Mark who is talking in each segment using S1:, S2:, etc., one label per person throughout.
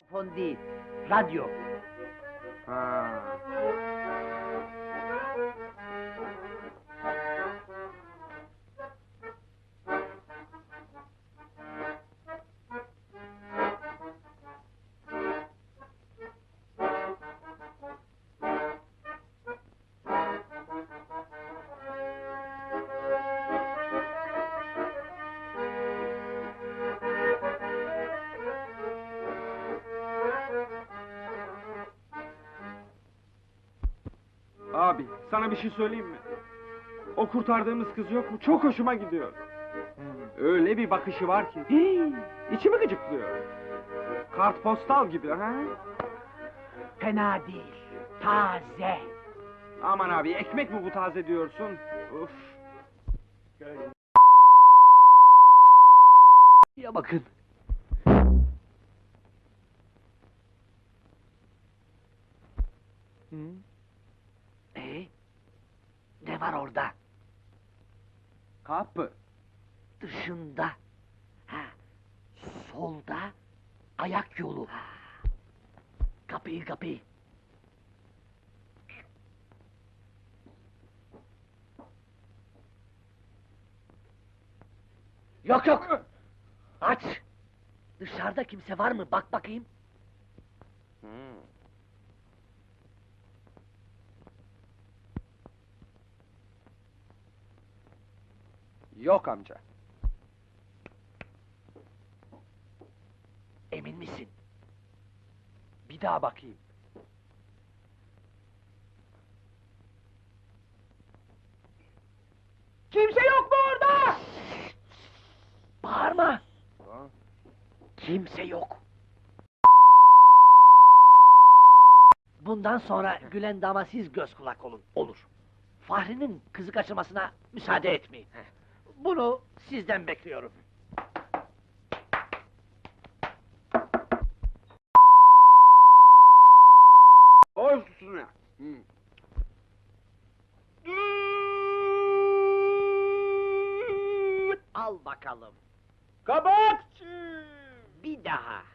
S1: Fon değil, radyo.
S2: Ha. Abi, sana bir şey söyleyeyim mi? O kurtardığımız kız yok mu? Çok hoşuma gidiyor. Öyle bir bakışı var ki, içimi gıcıklıyor. Kartpostal gibi, ha?
S1: Fena değil, taze.
S2: Aman abi, ekmek mi bu taze diyorsun? Uf!
S1: Ya bakın. Ne var orada?
S2: Kapı.
S1: Dışında. Ha, solda ayak yolu. Kapıyı. Yok! Aç! Dışarıda kimse var mı? Bak bakayım.
S2: Yok amca.
S1: Emin misin?
S2: Bir daha bakayım.
S1: Kimse yok mu orada? Bağırma! Kimse yok. Bundan sonra Gülen dama siz göz kulak olun. Olur. Fahri'nin kızı kaçırmasına müsaade etmeyin. Bunu sizden bekliyorum.
S2: Olsun.
S1: Al bakalım.
S2: Kabakçı!
S1: Bir daha.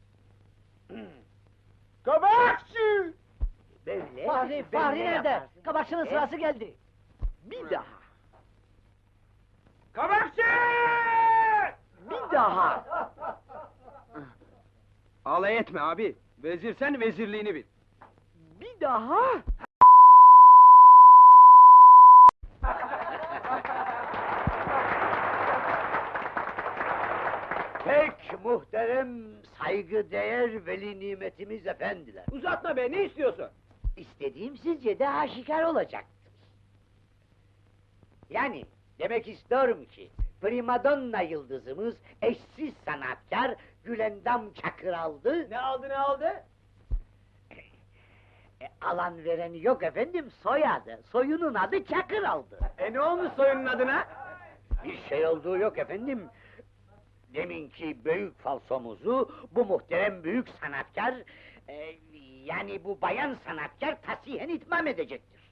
S2: Kabakçı!
S1: Böyle, Fahri nerede? Kabakçının sırası geldi. Bir daha.
S2: Kabakçı!
S1: Bir daha.
S2: Alay etme abi. Vezir sen vezirliğini bil.
S1: Bir daha.
S3: Pek muhterem, saygıdeğer veli nimetimiz efendiler.
S2: Uzatma be, ne istiyorsun?
S3: İstediğim sizce de aşikar olacaktır. Yani, demek istiyorum ki, primadonna yıldızımız, eşsiz sanatkar, Gülendam Çakır aldı.
S2: Ne aldı?
S3: Alan vereni yok efendim, soyadı, soyunun adı Çakır aldı.
S2: Ne olmuş soyunun adına?
S3: Bir şey olduğu yok efendim. Deminki büyük falsomuzu bu muhterem büyük sanatkar, yani bu bayan sanatkar tasihen itmam edecektir.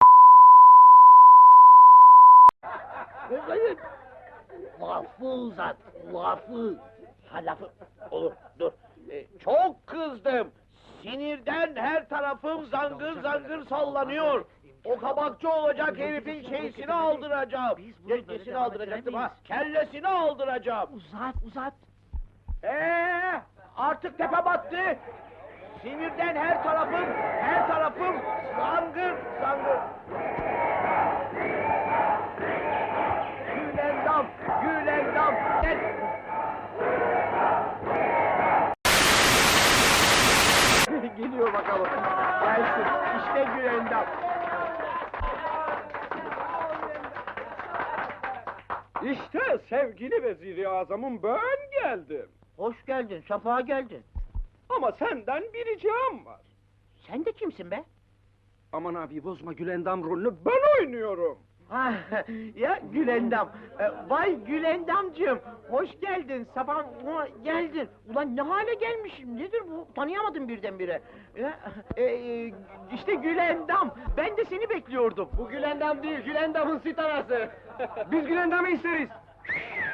S3: Lafı uzat, lafı. Ha lafı, olur, dur.
S4: Çok kızdım. Sinirden her tarafım zangır zangır sallanıyor. O kabakçı olacak herifin şeysini aldıracağım.
S1: Biz bunu böyle
S4: Nesini
S1: devam
S4: aldıracaktım ha?
S1: ettiremeyiz.
S4: Kellesini aldıracağım.
S1: Uzat.
S4: Artık tepe battı. Sinirden her tarafım zangır zangır. Gülendam, gel.
S2: Geliyor bakalım. Gelsin, işte Gülendam. İşte sevgili vezir-i azamım, ben geldim.
S1: Hoş geldin, safa geldin.
S2: Ama senden bir ricam var.
S1: Sen de kimsin be?
S2: Aman abi bozma, Gülendam rolünü ben oynuyorum.
S4: Ha, ya Gülendam, vay Gülendamcığım, hoş geldin, sabah geldin. Ulan ne hale gelmişim, nedir bu? Tanıyamadım birdenbire. İşte Gülendam, ben de seni bekliyordum.
S2: Bu Gülendam değil, Gülendam'ın sitarası. Biz Gülendam'ı isteriz.